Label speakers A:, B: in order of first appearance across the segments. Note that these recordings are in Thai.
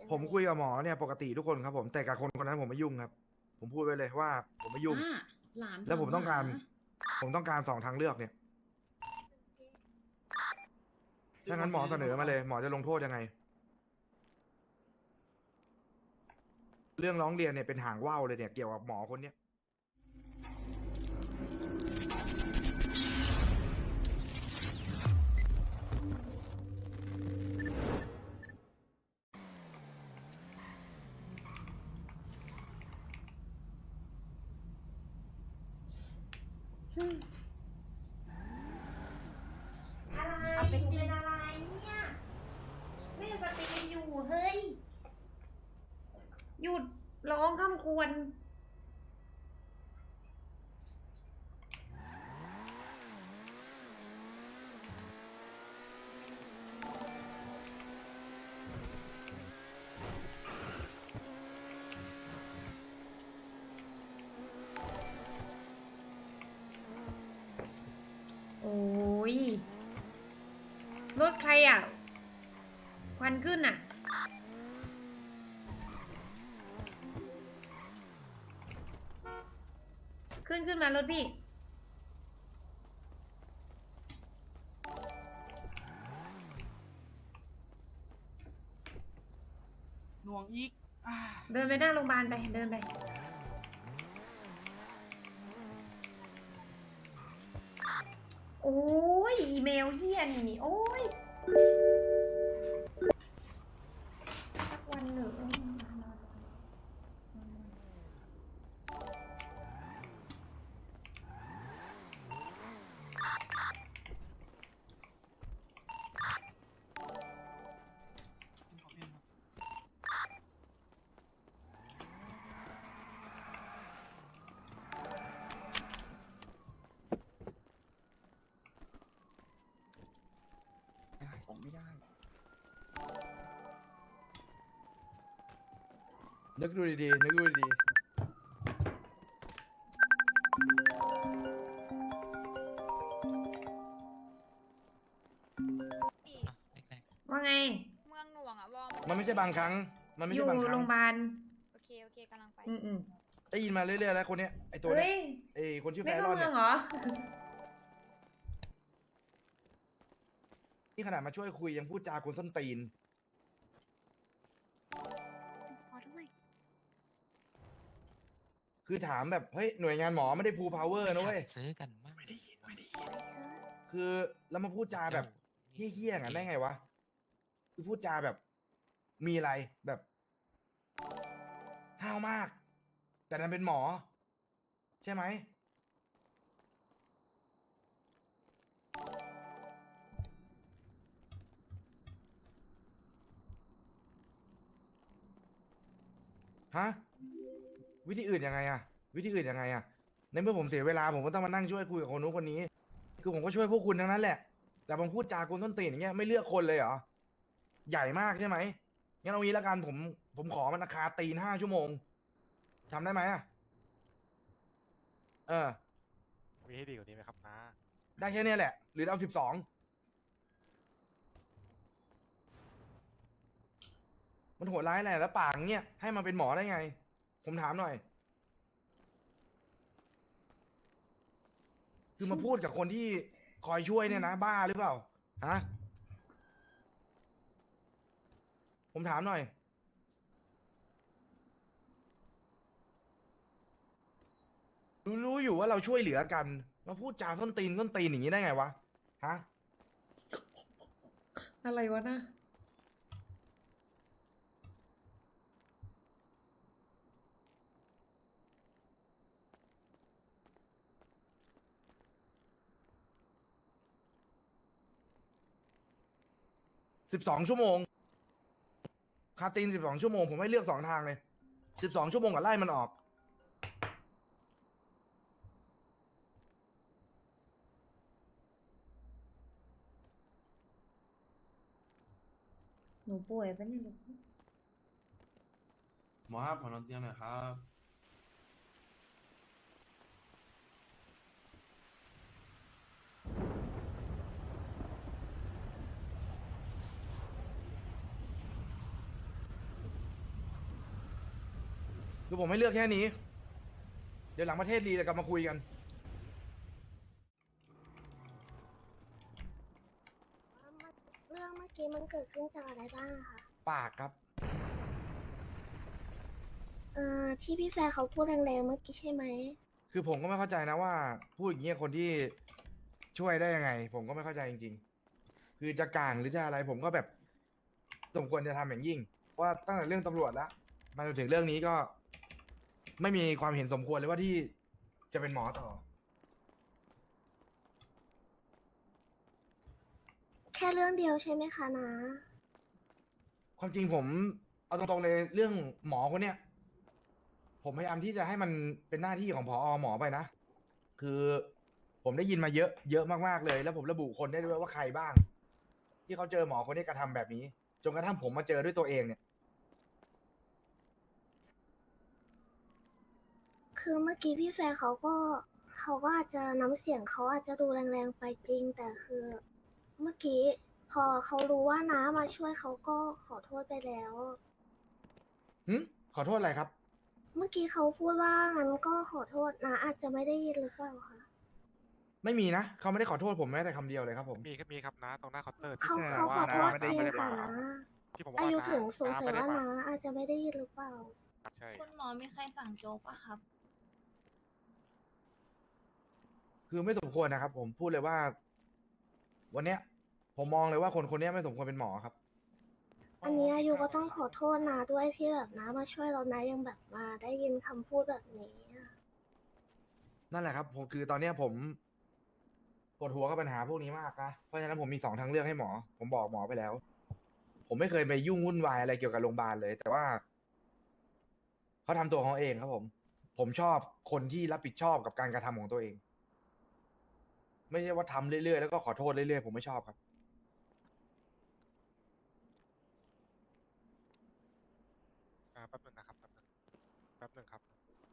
A: ผมคุยกับหมอเนี่ยปกติทุกคนครับผมแต่กับคนคนนั้นผมไม่ยุ่งครับผมพูดไว้เลยว่าผมไม่ยุ่ง
B: อ่าหลาน
A: แล้ว
B: ถามหา
A: ผมต้องการสองทางเลือกเนี่ยถ้างั้นหมอเสนอมาเลยหมอจะลงโทษยังไงเรื่องร้องเรียนเนี่ยเป็นหางว่าวเลยเนี่ยเกี่ยวกับหมอคนเนี้ย
C: อะไร
B: เอาไปสิ
C: เป็นอะไรเนี่ยแม่สตรีมอยู่เฮ้ย
B: หยุดร้องคำควรโอ้ยรถใครอ่ะ ควันขึ้นอ่ะ ขึ้นมารถพี่
D: หน่วงอีก
B: เดินไปหน้าโรงพยาบาลไป เดินไป โอ้ย อีเมลเฮียนี่ โอ้ยสักวันหนึ่ง
E: ผมไม่ได้
A: นึกดูดีๆนึกดูดี
B: ว่าไง
F: เมืองหน่วงอะวอ
A: ๆมันไม่ใช่บางครั้งมันไม่
B: อ
A: ใช่
B: ยู่
A: บางครั้
B: โรง งพยาบาล
F: โอเคกำลังไป
B: อืม
A: ได้ยินมาเรื่อยๆแล้วคนเนี้ยไอตัว
B: เฮ้
A: เนี้ย
B: ย
A: ไอคนชื่อ
B: ไม่
A: แฟร
B: เข้า
A: อน
B: เมื
A: เนี่
B: อย งเหรอ
A: นี่ขนาดมาช่วยคุยยังพูดจาคนส้นตีน
F: ขอด้วย
A: คือถามแบบเฮ้ยหน่วยงานหมอไม่ได้ฟูลพาวเวอร์นะเว้ย
E: ซื้อกันมาก
A: คือแล้วมาพูดจาแบบเฮี้ยๆงั้นได้ไงวะคือพูดจาแบบมีอะไรแบบห้าวมาก แต่นั้นเป็นหมอ ใช่ไหมฮะวิธีอื่นยังไงอะวิธีอื่นยังไงอะในเมื่อผมเสียเวลาผมก็ต้องมานั่งช่วยคุยกับคนนู้นคนนี้ คือผมก็ช่วยพวกคุณทั้งนั้นแหละ แต่บางพูดจากคนส้นตีนอย่างเงี้ยไม่เลือกคนเลยเหรอใหญ่มากใช่ไหมงั้นเอางี้แล้วกันผมขอมันราคาตีน5 ชั่วโมงทำได้ไหมอะเออ
G: มีให้ดีกว่านี้ไหมครับน้า
A: ได้แค่เนี้ยแหละ หรือเอา12มันโหดร้ายอะไรแล้วปากเงี้ยให้มันเป็นหมอได้ไง ผมถามหน่อย คือมาพูดกับคนที่คอยช่วยเนี่ยนะบ้าหรือเปล่าฮะผมถามหน่อยรู้อยู่ว่าเราช่วยเหลือกันมาพูดจาส้นตีนอย่างนี้ได้ไงวะฮะ
B: อะไรวะนะ
A: 12 ชั่วโมงคาตีน12 ชั่วโมงผมให้เลือก2 ทางเลย12 ชั่วโมงกับไล่มันออก
B: หนูป่วยปะเนี่ยลูก
H: หมอครับขอนอนเตียงหน่อยครับ
A: คือผมให้เลือกแค่นี้ เดี๋ยวหลังประเทศรีจะกลับมาคุยกัน
E: เรื่องเมื่อกี้มันเกิดขึ้นจากอะไรบ้างอะคะ
A: ปากครับ
E: ที่พี่แฟร์เขาพูดแรงๆเมื่อกี้ใช่ไหม
A: คือผมก็ไม่เข้าใจนะว่าพูดอย่างเงี้ยคนที่ช่วยได้ยังไง ผมก็ไม่เข้าใจจริงๆ คือจะกลางหรือจะอะไร ผมก็แบบสมควรจะทำอย่างยิ่งเพราะว่าตั้งแต่เรื่องตำรวจแล้วมาจนถึงเรื่องนี้ก็ไม่มีความเห็นสมควรเลยว่าที่จะเป็นหมอต่อ
E: แค่เรื่องเดียวใช่ไหมคะนะ
A: ความจริงผมเอาตรงๆเลยเรื่องหมอคนเนี้ยผมพยายามที่จะให้มันเป็นหน้าที่ของผอหมอไปนะ คือผมได้ยินมาเยอะเยอะมากๆเลย แล้วผมระบุคนได้ด้วยว่าใครบ้าง ที่เขาเจอหมอคนนี้กระทำแบบนี้จนกระทั่งผมมาเจอด้วยตัวเองเนี่ย
E: คือเมื่อกี้พี่แฟร์เขาก็อาจจะน้ำเสียงเขาอาจจะดูแรงๆไปจริง แต่คือเมื่อกี้พอเขารู้ว่าน้ามาช่วยเขาก็ขอโทษไปแล้ว
A: ขอโทษอะไรครับ
E: เมื่อกี้เขาพูดว่างั้นก็ขอโทษนะอาจจะไม่ได้ยินหรือเปล่าคะ
A: ไม่มีนะเขาไม่ได้ขอโทษผมแม้แต่คำเดียวเลยครับผม
G: มีครับนะตรงหน้าเคาน์เตอร์
E: เขา
G: ที่
E: เขาขอโทษ
G: ไม่
E: จริง
G: ได้
E: ค่ะ
G: มา
E: นะ
G: ที่ผมว่า
E: อายุ
G: น้
E: ถึงสงสัย
G: ไม่ได้
E: ว่า
G: มา
E: นะอาจจะไม่ได้ยินหรือเปล่า
G: ใช่
F: คุณหมอมีใครสั่งโจ๊กปะครับ
A: คือไม่สมควรนะครับ ผมพูดเลยว่า วันเนี้ย ผมมองเลยว่าคนคนเนี้ยไม่สมควรเป็นหมอครับ
E: อันนี้อายุก็ต้องขอโทษนะด้วยที่แบบนะมาช่วยเรานะยังแบบมาได้ยินคำพูดแบบนี้อะ
A: นั่นแหละครับผมคือตอนเนี้ยผมปวดหัวกับปัญหาพวกนี้มากนะเพราะฉะนั้นผมมี2 ทางเลือกให้หมอ ผมบอกหมอไปแล้ว ผมไม่เคยไปยุ่งวุ่นวายอะไรเกี่ยวกับโรงพยาบาลเลย แต่ว่าเขาทำตัวของเขาเองครับผม ผมชอบคนที่รับผิดชอบกับการกระทำของตัวเอง ไม่ใช่ว่าทำเรื่อยๆแล้วก็ขอโทษเรื่อยๆผมไม่ชอบครับ
G: แป๊บนึงนะครับแป๊บนึงครับ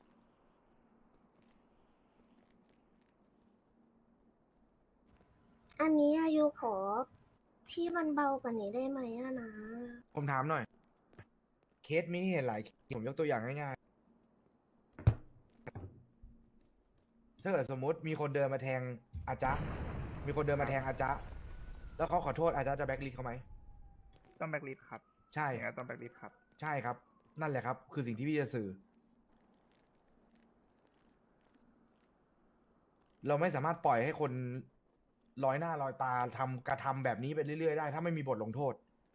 E: อันนี้อายุขอที่มันเบากว่านี้ได้ไหมอะนะ
A: ผมถามหน่อย เคสมีให้เห็นหลายเคสผมยกตัวอย่างง่ายๆ ถ้าเกิดสมมติมีคนเดินมาแทงอาจ๊ะมีคนเดินมาแทงอาจ๊ะแล้วเขาขอโทษอาจ๊ะจะแบล็คลิสต์เขาไหม
I: ต้องแบ็กลิสครับ
A: ใช่
I: อย่างนั้นต้องแบ็กลิสครับ
A: ใช่ครับ นั่นแหละครับ คือสิ่งที่พี่จะสื่อ เราไม่สามารถปล่อยให้คนลอยหน้าลอยตากระทำแบบนี้ไปเรื่อยๆได้ ถ้าไม่มีบทลงโทษ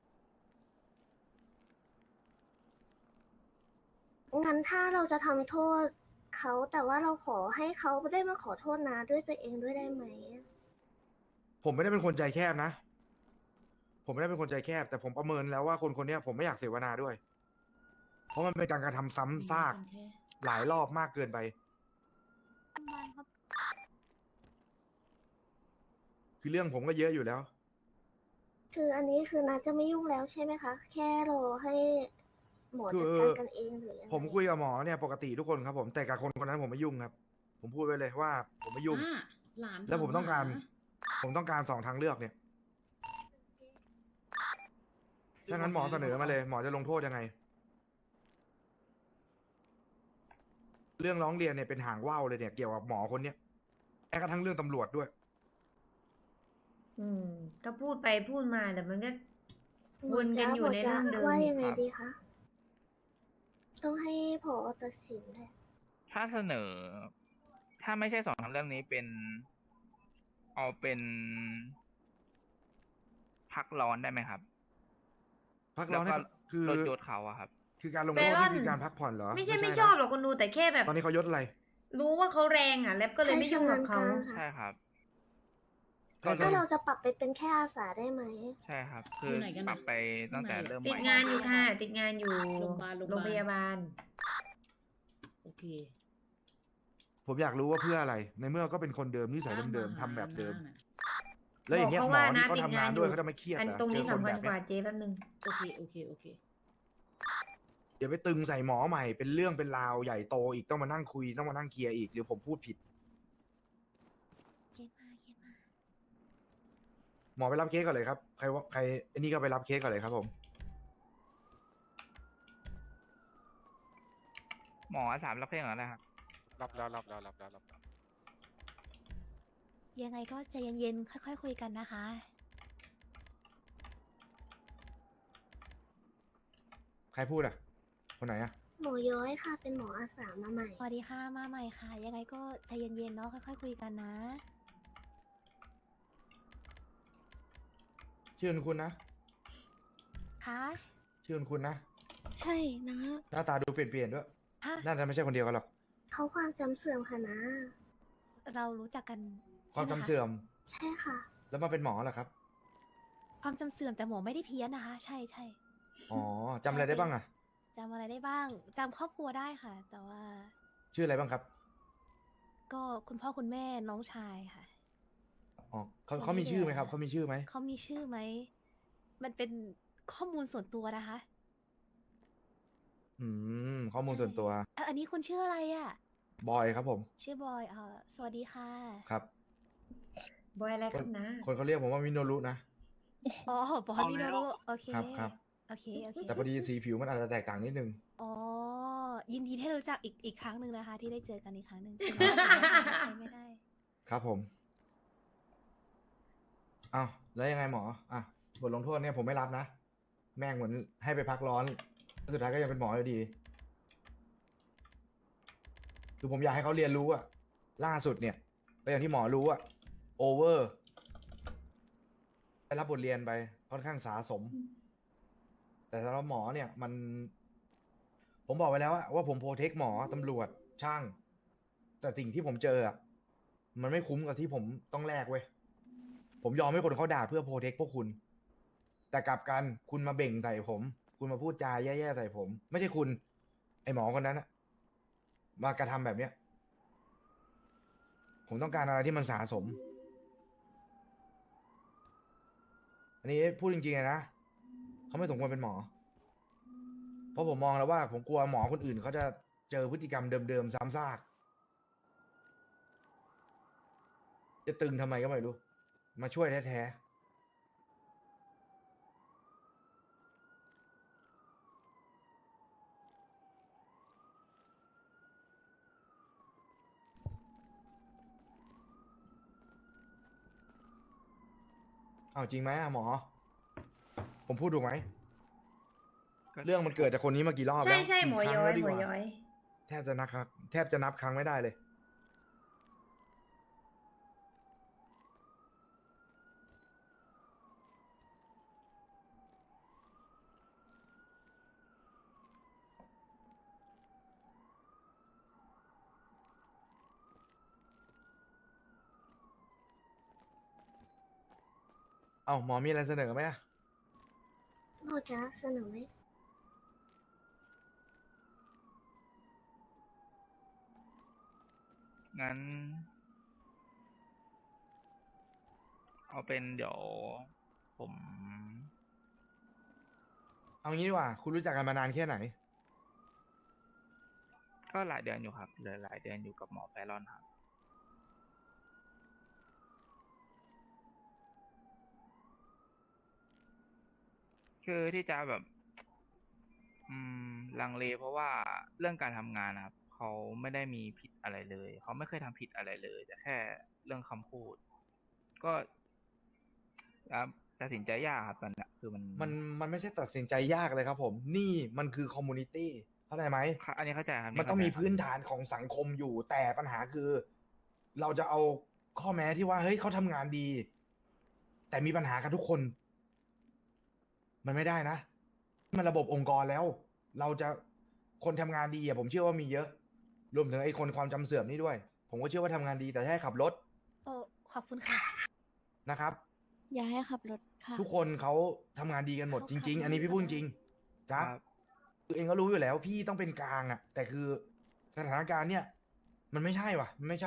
E: งั้นถ้าเราจะทำโทษเขาแต่ว่าเราขอให้เขาได้มาขอโทษนะด้วยตัวเองด้วยได้ไหมอะ
A: ผมไม่ได้เป็นคนใจแคบนะ ผมไม่ได้เป็นคนใจแคบ แต่ผมประเมินแล้วว่าคนคนเนี้ยผมไม่อยากเสวนาด้วย เพราะมันเป็นการกระทำซ้ำซากหลายรอบมากเกินไป คือเรื่องผมก็เยอะอยู่แล้ว
E: คืออันนี้คือนาจะไม่ยุ่งแล้วใช่ไหมคะ แค่รอให้หมอ
A: คื
E: จัด
A: อ
E: การกันเองหรือยังไง
A: ผมคุยกับหมอเนี่ยปกติทุกคนครับผมแต่กับคนคนนั้นผมไม่ยุ่งครับ ผมพูดไว้เลยว่าผมไม่ยุ่ง
D: หลาน
A: แล้วผมต้องการ
D: ถ
A: ผมต้องการ2 ทางเลือกเนี่ยถ้างั้นหมอเสนอมาเลย หมอจะลงโทษยังไง เรื่องร้องเรียนเนี่ยเป็นหางว่าวเลยเนี่ยเกี่ยวกับหมอคนเนี้ยแม้กระทั่งเรื่องตำรวจด้วย
B: ก็พูดไปพูดมาแต่มันก็
E: หม
B: วนกันอยู่ใน
E: จ๊ะ
B: เรื่องเดิม
E: ว่ายังไง
I: ครับ
E: ดีคะ ต้องให้ผอตัดสินแหละ
I: ถ้าเสนอ ถ้าไม่ใช่2 ทางเรื่องนี้เป็น เอาเป็น พักร้อนได้ไหมครับ
A: พักร้อนให้
I: แล้วก็
A: คือ
I: ลดยศเขาอะครับ
A: คือการลงโทษ
B: เบรอน
A: นี่คือการพักผ่อนเหรอ
B: ไม่ใช่
A: นะ
B: ไม่ชอบหรอกคนดูแต่แค่แบบ
A: ตอนนี้เขายศอะไร
B: รู้ว่าเขาแรงอ่ะ แล้วก็เลยไม่ยุ่งกับเขา
E: ให้ชำนาญการค่ะ
I: ใช่ครับ
A: ให้
E: ถ้าเราจะปรับไปเป็นแค่อาสาได้ไหม
I: ใช่ครับ คือ
D: อยู่ไหนกัน
I: ปรับไปตั้งแต่
D: ข้างใน
I: เริ่ม
B: ติด
I: ใหม่
B: งานอยู่ค่ะ ติดงานอยู่
D: โรงพยาบาล
B: โรงพยาบาล
D: โอเค
A: ผมอยากรู้ว่าเพื่ออะไร ในเมื่อก็เป็นคนเดิมนิสัยเดิมๆทำแบบเดิม
D: น่ะ
A: แล้วอย่างเงี้ย
B: บอก
A: หม
B: เขา
A: อ
B: ว่า
A: ที่
B: นะ
A: เขา
B: ติด
A: ทำงาน
B: งาน
A: ด้วย
B: อยู่
A: เขาจะไม่เครียด
B: อัน
A: เหรอ
B: ตรงนี้
A: เจอคน
B: สำคัญ
A: แบบ
B: กว่า
A: เนี้ย
B: เจ๊แป๊บนึง
D: โอเค โอเค โอเค
A: เดี๋ยวไปตึงใส่หมอใหม่เป็นเรื่องเป็นราวใหญ่โตอีกต้องมานั่งคุยต้องมานั่งเคลียร์อีกหรือผมพูดผิด หมอไปรับเคสก่อนเลยครับใครว่าใครไอ้นี่ก็ไปรับเคสก่อนเลยครับผม
I: หมอ3รับเพลงเหรอนะครับ
G: รับแล้ว
F: ยังไงก็ใจเย็นๆ ค่อยๆ คุยกันนะคะ
A: ใครพูดอ่ะ คนไหนอ่ะ
E: หมอย้อยค่ะ เป็นหมออาสามาใหม่
F: สวัสดีค่ะ มาใหม่ค่ะ ยังไงก็ใจเย็นๆ เนาะ ค่อยๆ คุยกันนะ
A: ชื่อคุณนะ
F: ค่ะ
A: ชื่อคุณนะ
E: ใช่นะ
A: หน้าตาดูเปลี่ยนๆด้วย
F: ค่ะ
A: น่าจะไม่ใช่คนเดียวกันหรอก
E: เขาความจำเสื่อมค่ะนะ
F: เรารู้จักกัน
A: ความ
F: ใช่ไห
A: จำเสื่อม
E: ใช่ค่ะ
A: แล้วมาเป็นหมอเหรอครับ
F: ความจำเสื่อมแต่หมอไม่ได้เพี้ยนนะคะ ใช่ใช่
A: อ๋อจำอะไรได้บ้างอ่ะ
F: จำอะไรได้บ้าง จำครอบครัวได้ค่ะ แต่ว่า
A: ชื่ออะไรบ้างครับ
F: ก็คุณพ่อคุณแม่น้องชายค่ะ
A: อ๋อเขา
F: ส่วน
A: เขามี
F: ที่
A: ชื่อไหม
F: เหลือ
A: ครับเขามีชื่อไหม
F: เขามีชื่อไหม มันเป็นข้อมูลส่วนตัวนะคะ
A: ข้อมูลส่วนตัว
F: อันนี้คุณชื่ออะไรอ่ะ
A: บอยครับผม
F: ชื่อบอยสวัสดีค่ะ
A: ครับ
B: บอยอะไรครับนะ
A: คนเขาเรียกผมว่ามิโนรุนะ
F: อ๋อบอยมิโนรุโอเค
A: ครับ
F: โอเค โอเค
A: แต่พอดีสีผิวมันอาจจะแตกต่างนิดนึง
F: อ๋อ ยินดีที่ได้รู้จักอีกครั้งหนึ่งนะคะ ที่ได้เจอกันอีกครั้งหนึ่งถึงแม้ว่าจะจำใครไม่ได้
A: ครับผมอ้าวแล้วยังไงหมอ อ่ะ บทลงโทษเนี่ยผมไม่รับนะ แม่งเหมือนให้ไปพักร้อน สุดท้ายก็ยังเป็นหมออยู่ดี คือผมอยากให้เขาเรียนรู้อะล่าสุดเนี่ยก็อย่างที่หมอรู้อะโอเวอร์ได้รับบทเรียนไปค่อนข้างสาสม แต่สำหรับหมอเนี่ยมัน ผมบอกไว้แล้วอะว่าผมโปรเทคหมอตำรวจช่าง แต่สิ่งที่ผมเจออะมันไม่คุ้มกับที่ผมต้องแลกเว้ย ผมยอมให้คนเขาด่าเพื่อโปรเทคพวกคุณ แต่กลับกันคุณมาเบ่งใส่ผม คุณมาพูดจาแย่ๆใส่ผม ไม่ใช่คุณ ไอหมอคนนั้นอะมากระทำแบบเนี้ย ผมต้องการอะไรที่มันสะสม อันนี้พูดจริงๆนะเขาไม่สมควรเป็นหมอ เพราะผมมองแล้วว่า ผมกลัวหมอคนอื่นเขาจะเจอพฤติกรรมเดิมๆซ้ำซาก จะตึงทำไมก็ไม่รู้ มาช่วยแท้ๆเอาจริงไหมอะหมอ ผมพูดถูกไหม
I: ก็
A: เรื่องมันเกิดจากคนนี้มากี่รอบ
B: ใช่
A: แล้ว
B: ใช่
A: กี่
B: หมอ
A: ครั้ง
B: ย้อ
A: แล้
B: ยว
A: ดี
B: หม
A: ก
B: อ
A: ว่า
B: ย้อย
A: แทบจะนับครั้งแทบจะนับครั้งไม่ได้เลย เอาหมอมีอะไรเสนอไหมอะ
E: หมอจะเสนอไหม
I: งั้น เอาเป็นเดี๋ยวผม
A: เอางี้ดีกว่า คุณรู้จักกันมานานแค่ไหน
I: ก็หลายเดือนอยู่ครับเหลือหลายเดือนอยู่กับหมอแฟรอนครับ คือที่จะแบบ ลังเลเพราะว่าเรื่องการทำงานนะครับเขาไม่ได้มีผิดอะไรเลย เขาไม่เคยทำผิดอะไรเลย แต่แค่เรื่องคำพูด ก็ตัดสินใจยากครับตอนเนี้ยคือมัน
A: มันไม่ใช่ตัดสินใจยากเลยครับผม นี่มันคือคอมมูนิตี้เข้าใจไหม
I: อันนี้เข้าใจครับ
A: มันต้องมี
I: เข้าใจครับ
A: พื้นฐานของสังคมอยู่ แต่ปัญหาคือ เราจะเอาข้อแม้ที่ว่าเฮ้ยเขาทำงานดี แต่มีปัญหากันทุกคน มันไม่ได้นะ มันระบบองค์กรแล้ว เราจะคนทำงานดีอะผมเชื่อว่ามีเยอะ รวมถึงไอ้คนความจำเสื่อมนี่ด้วย ผมก็เชื่อว่าทำงานดีแต่แค่ขับรถ
F: โอ้ขอบคุณค่ะ
A: นะครับ
E: อย่าให้ขับรถค่ะ
A: ทุกคนเขาทำงานดีกันหมด
F: เขา
A: จริง ๆ
F: ขับ
A: อันนี้พี่พูดจริงจ้ะ
I: ครับ
A: คือเองก็รู้อยู่แล้ว พี่ต้องเป็นกลางอะแต่คือสถานการณ์เนี่ย มันไม่ใช่ว่ะ มันไม่ใช่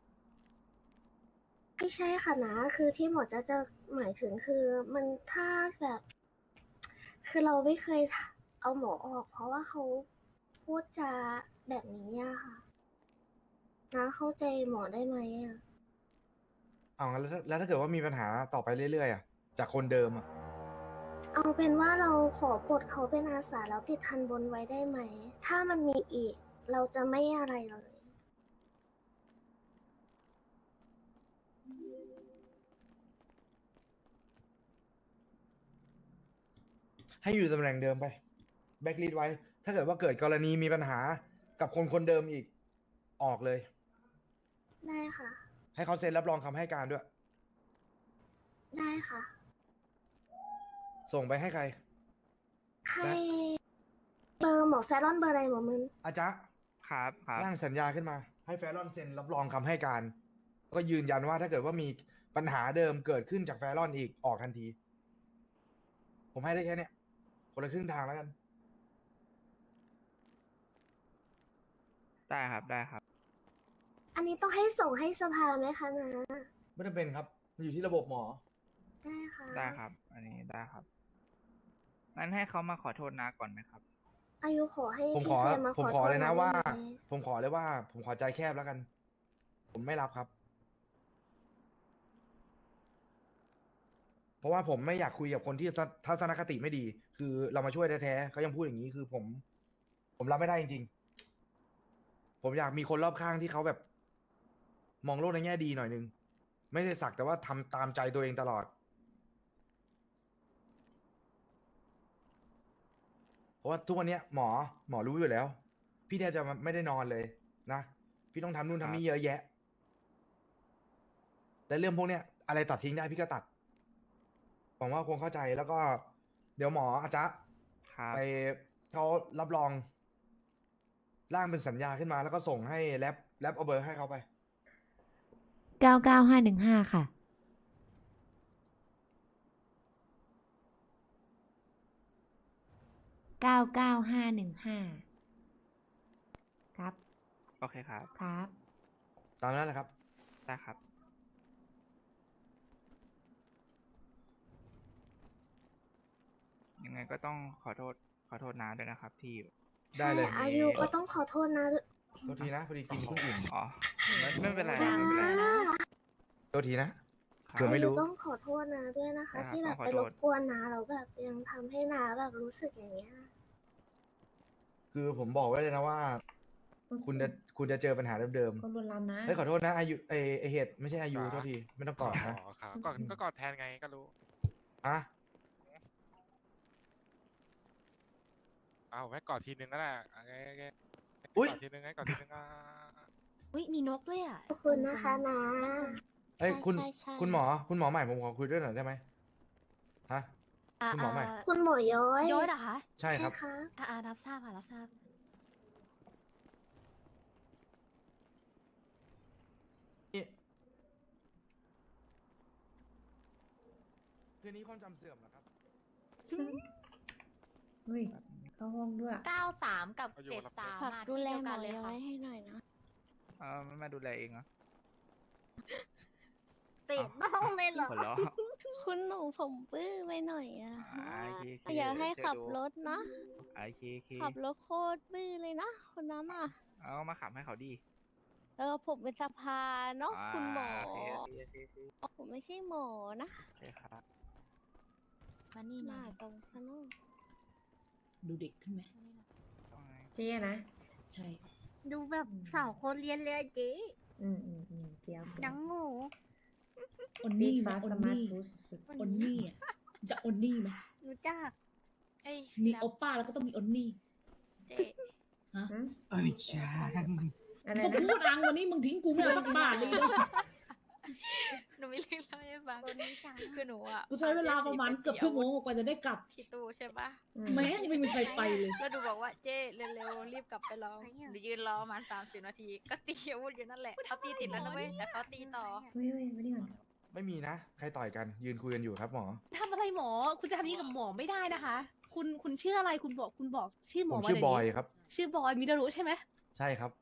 E: ไม่ใช่ค่ะนะ คือที่หมอจะหมายถึงคือมันถ้าแบบ คือเราไม่เคยเอาหมอออก เพราะว่าเขาพูดจาแบบนี้อะค่ะนะเข้าใจหมอได้ไหมอะ
A: เอางั้นแล้วถ้าเกิดว่ามีปัญหาต่อไปเรื่อยๆอะจากคนเดิมอะ
E: เอาเป็นว่าเราขอปลดเขาเป็นอาสาแล้วติดทันบนไว้ได้ไหม ถ้ามันมีอีกเราจะไม่อะไรเลย
A: ให้อยู่ตำแหน่งเดิมไปแบ็กลีดไว้ ถ้าเกิดว่าเกิดกรณีมีปัญหากับคนคนเดิมอีกออกเลย
E: ได้ค่ะ
A: ให้เขาเซ็นรับรองคำให้การด้วย
E: ได้ค่ะ
A: ส่งไปให้ใคร
E: ให้เบอร์หมอแฟรอนเบอร์อะไรหมอมึน
A: อาจารย์
I: ครับครับ
A: ร่างสัญญาขึ้นมา ให้แฟรอนเซ็นรับรองคำให้การแล้วก็ยืนยันว่าถ้าเกิดว่ามีปัญหาเดิมเกิดขึ้นจากแฟรอนอีกออกทันที ผมให้ได้แค่เนี้ยคนละครึ่งทางแล้วกัน
I: ได้ครับได้ครับ
E: อันนี้ต้องให้ส่งให้สภาไหมคะนะ
A: ไม่จำเป็นครับ มันอยู่ที่ระบบหมอ
E: ได้ค่ะ
I: ได้ครับ อันนี้ได้ครับงั้นให้เขามาขอโทษนาก่อนไหมครับ
E: อายุขอให้
A: ผม
E: พี่
A: ขอ
E: แฟนมา
A: ผม
E: ขอ
A: ขอ
E: โทษ
A: เลยนะ
E: ได้
A: ว่า
E: ไหม
A: ผมขอเลยว่า ผมขอใจแคบแล้วกัน ผมไม่รับครับ เพราะว่าผมไม่อยากคุยกับคนที่ทัศนคติไม่ดี คือเรามาช่วยแท้ๆเขายังพูดอย่างนี้คือผมรับไม่ได้จริงๆ ผมอยากมีคนรอบข้างที่เขาแบบ มองโลกในแง่ดีหน่อยนึง ไม่ได้สักแต่ว่าทำตามใจตัวเองตลอด เพราะว่าทุกวันเนี้ยหมอรู้อยู่แล้ว พี่แทบจะไม่ได้นอนเลยนะ พี่ต้องทำนู่นทำนี่เยอะแยะ และเรื่องพวกเนี้ยอะไรตัดทิ้งได้พี่ก็ตัดหวังว่าคงเข้าใจแล้วก็ เดี๋ยวหมออาจจะ
I: ครับ
A: ไปเขารับรอง ร่างเป็นสัญญาขึ้นมาแล้วก็ส่งให้แรปเอาเบอร์ให้เขาไป
J: 99515 ค่ะ 99515 ครับ
I: โอเคครับ
J: ครับ
A: ตามนั้นแหละครับ
I: ได้ครับ ยังไงก็ต้องขอโทษนาด้วยนะครับ ที่
A: ได้เลย
E: ใช่อายุก็ต้องขอโทษนะ
A: โทษทีนะพอดีกินเพิ่งอิ่ม
I: อ๋อไม่เป็นไร
E: นะ
I: ไม่เป็นไร
A: โทษทีนะ
I: ครั
A: เผื่อบ ไม่รู้
E: ต้องขอโทษนะด้วยนะคะ
I: ครับ
E: ที่แบบ
I: ต้องขอ
E: ไป
I: โท
E: ร
I: ษ
E: บกวนนะแล้วแบบยังทำให้นาแบบรู้สึกอย่างเงี้ย
A: คือผมบอกไว้เลยนะว่า คุณจะเจอปัญหาเดิม
B: คนรุนแรงนะ
A: ๆเฮ้ยขอโทษนะอายุไอเหตุไม่ใช่อายุโทษทีไม่ต้องกอดนะ
G: อ๋อครับก็กอดแทนไงก็รู้
A: อ่ะ
G: เอาไว้กอดทีนึงก็ได้โอเคโอเค
A: อุ๊ย
G: กอดทีนึงให้กอดทีนึงอ่ะ
F: อุ้ยมีนกด้วยอ่ะ
E: ขอบคุณนะคะนะ
A: เอ้ยคุณ
F: ใช่ใช่
A: คุณหมอใหม่ผมขอคุยด้วยหน่อยได้ไหมฮะ คุณหมอใหม่
E: คุณหมอย้อย
F: ย้อยเหรอคะ
A: ใช่ครับ
E: ค่ะ
F: รับทราบค่ะรับทราบ
A: นี่คืนนี้ความจำเสื่อมเหรอครับ
B: เฮ้ย เข้าห้องด้วย
F: 93 กับ 73
E: ฝากดูแลหมอย้อยให้หน่อยนะ
I: ไม่มาดูแลเองเหรอ
E: ติดบ้องเลยเหรอ
I: หัวเราะ
E: คุณหนูผมบื้อไปหน่อยอะ
I: โอเคโอเค
E: อยากให้ขับ
I: เดี๋ยวดู
E: รถนะ
I: โอเคโอเค
E: ขับรถโคตรบื้อเลยนะคนนั้นอ่ะ
I: เอามาขับให้เขาดี
E: ผมเป็นสภาเนาะคุณหมอ
I: โอเคโอเคโอเคโอเค
E: ผมไม่ใช่หมอนะ
I: โอเคครับ
F: มานี่
E: ห
F: มา
E: น้าตรงซะเนอะ
D: ดูเด็กขึ้นไหม
I: ต้องไง
B: เจ๊นะ
D: ใช่
E: ดูแบบสาวคนเรียนเลยอะเจ๊
B: เดี๋ยว
E: ดังงู
D: ออน
B: ดี
D: นี่ไหม
B: ฟ้า
D: ออ
B: ส
D: น
B: มาร์ท
D: นี่
B: ฟู้ดสุด
D: ออนนี่อ่ะจะออนนี่ไหม
E: รู้จัก
F: เอ้ย
D: มีโอป้าแล้วก็ต้องมีออนนี่
F: เจ๊
D: ฮะ
B: อะไร
D: ก็
B: นะ
D: พูดอังวันนี้มึงทิ้งกูไม่เอาสักบาทเลยเนาะ
F: หนูมีเรื่องเล่าให้ฟังคือหนูอ่ะ
D: กูใช้เวลาประมาณเกือบชั่วโมงกว่าจะได้กลับ
F: ที่ตู้ใช่ปะ
D: แม่งยังไม่มีใครไปเลย
F: แล้วดูบอกว่าเจ๊เร็วๆรีบกลับไปรอหนูยืนรอประมาณ30 นาที ก็ตีอาวุธอยู่นั่นแหละเขาตีติดแล้วนะเว้ยแต่เขาตีต่อ
B: เฮ้ยไม่ได้ก่อน
A: ไม่มีนะ ใครต่อยกันยืนคุยกันอยู่ครับหมอ
F: ทำอะไรหมอ คุณจะทำนี้กับหมอไม่ได้นะคะ คุณชื่ออะไรคุณบอกชื่อหม
A: ผ
F: อ
A: ม
F: มา
A: ชื่อ
F: เดี๋ว
A: บอย
F: นี้
A: ครับ
F: ชื่อบอยมิดารุใช่ไหม
A: ใช่ครับ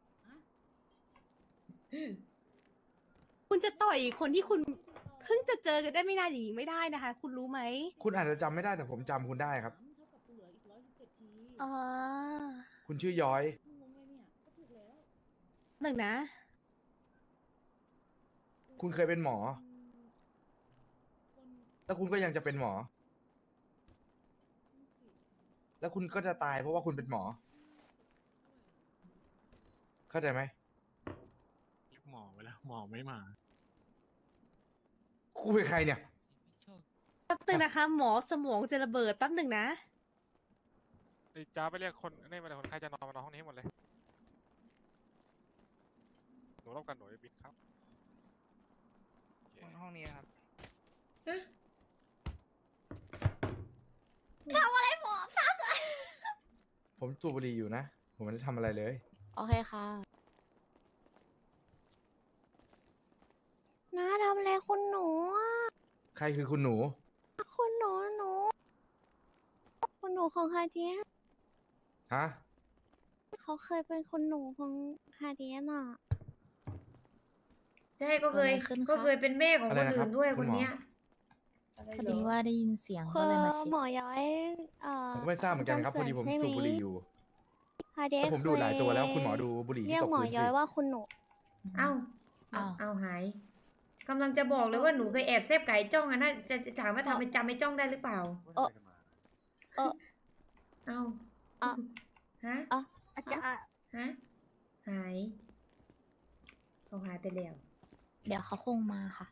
F: คุณจะต่อยคนที่คุณเพิ่งจะเจอกันได้ไม่นานอย่างนี้ไม่ได้นะคะ คุณรู้ไหม
A: คุณอาจจะจำไม่ได้แต่ผมจำคุณได้ครับ
D: เท่ากับกูเหลืออีก117 ที
F: อ๋อ
A: คุณชื่อย้อย
D: งงเลยเนี่ยก็ถูกแล้ว
F: หนึ่งนะ
A: คุณเคยเป็นหมอ แล้วคุณก็ยังจะเป็นหมอ แล้วคุณก็จะตายเพราะว่าคุณเป็นหมอเข้าใจไหม
G: เรียกหมอไปแล้ว หมอไม่มา
A: กูเป็นใครเนี่ย
K: แป๊บหนึงนะคะ หมอสมองจะระเบิดแป๊บหนึ่งนะ
G: ไอ้จ้าไปเรียกคนนี่มาเลยคนใครจะนอนมานอนห้องนี้ให้หมดเลย หนูรบกันหนูจะบินครับโอเค
I: ห้องนี้ครับ
A: ผมสูบบุหรี่อยู่นะ ผมไม่ได้ทำอะไรเลย
J: โอเคค่ะ
E: น้าทำอะไรคุณหนูอ่ะ
A: ใครคือคุณหนู
E: คุณหนูคุณหนูของฮาเดีย
A: ฮะ
E: เขาเคยเป็นคุณหนูของฮาเดียน่ะ
B: ใช่ก็เคย
J: เกิดอะไรขึ้นคะ
B: ก็เคยเป็นแม่ของ
A: อะไร
B: คน
A: นะครั
B: อื่
A: บ
B: นด้วย
A: คุ
B: ค
A: ณ
B: น
A: หมอ
B: เนี้ย
J: พอดีว่าได้ยินเสียง
E: คื
J: ก็
E: อ
J: เลยมาเช็ค
E: หมอย้อย
A: ผมก็ไม่ทราบเหมือนกันครับ พอดีผม
E: ใช่ไห
A: สูบบุหรี่อยู่
E: ฮาเดีย
A: แต่ผมดูหลายตัวแล้ว คุณหมอดูบุหรี่
E: เรี
A: ที่
E: ยก
A: ตก
E: หมอ
A: พื้น
E: ย้
A: สิ
E: อยว่าคุณหนู
B: เอ้า
J: อ้าว
B: เอาหายกำลังจะบอกเลยว่าหนูเคยแอบเซฟไก่จ้องอะน่าจะถามว่าทำเป็นจำไม่จ้องได้หรือเปล่า
E: เออ เออ
B: เอ้า
E: อ่ะ
B: ฮะ
E: อ่ะ
F: อาจารย์
B: ฮะหายเขาหายไปแล้ว
J: เดี๋ยวเขาคงมาค่ะ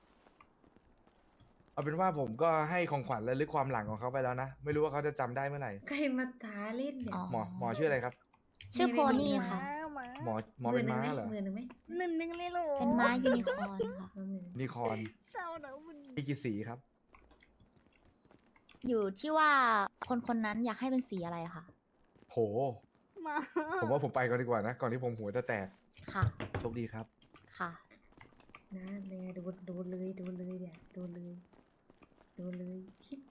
A: เอาเป็นว่าผมก็ให้ของขวัญและลึกความหลังของเขาไปแล้วนะ ไม่รู้ว่าเขาจะจำได้เมื่อไหร่
B: ใครมาท้าเล่นเนี่ย
J: อ๋อ
A: หมอชื่ออะไรครับ
J: ชื่อโพนี่ค่ะ
A: หมอเป็นม้าเหรอ
B: หมื่นหนึ่งไหม
F: 1,000เลยเหรอ
J: เป็นม้ายูนิคอร์นค่ะ
B: หมื่น
A: นิคอน
F: เศร้านะมัน
A: มีกี่สีครับ
J: อยู่ที่ว่าคนคนนั้นอยากให้เป็นสีอะไรค่ะ
A: โห
F: มา
A: ผมว่าผมไปก่อนดีกว่านะ ก่อนที่ผมหัวจะแตก
J: ค่ะ
A: โชคดีครับ
J: ค่ะ
B: นะเนี่ยโดนเลยเนี่ยโดนเลย